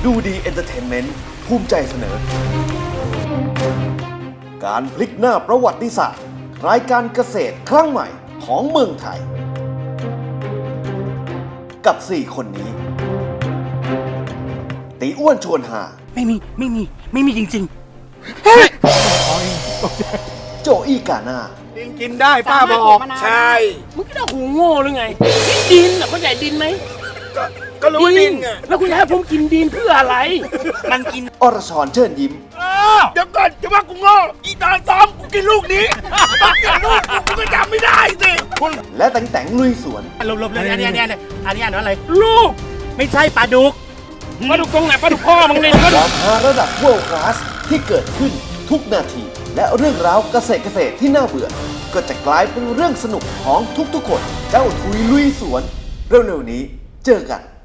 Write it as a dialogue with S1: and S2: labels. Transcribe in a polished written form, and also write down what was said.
S1: ดูดีเอนเตอร์เทนเมนต์ภูมิใจเสนอ การพลิกหน้าประวัติศาสตร์รายการเกษตรครั้งใหม่ของเมืองไทย กับ 4 คนนี้ ตีอ้วนชวนหา
S2: ไม่มีจริง
S1: โจอี้กาหน้า
S3: กินได้ป้าบอก ใช่
S2: ๆมึงคิดว่าหูโง่หรือไงดินเข้าใจดินไหม
S3: ก็รู้ว่าดินไง
S2: แล้วคุณจะให้ผมกินดินเพื่ออะไร มันกิน
S1: อรชรเชิญยิ้ม
S3: เดี๋ยวก่อนจะว่ากูโง่อีตาซ้อมกูกินลูกนี้ต้องกินลูกกูก็จำไม่ได้สิคุณ
S1: และแต่งลุยสวน
S2: หลบๆเลยอันนี้อ่านว่าอะไรลูกไม่ใช่ปลาดุกตรงไหนปลาดุกพ่อมึงเนี่ย
S1: ความฮาระดับ World Class ที่เกิดขึ้นทุกนาที และเรื่องราวเกษตรที่น่าเบื่อ ก็จะกลายเป็นเรื่องสนุกของทุกๆคน เจ้าทุยลุยสวน เร็วๆนี้เจอกัน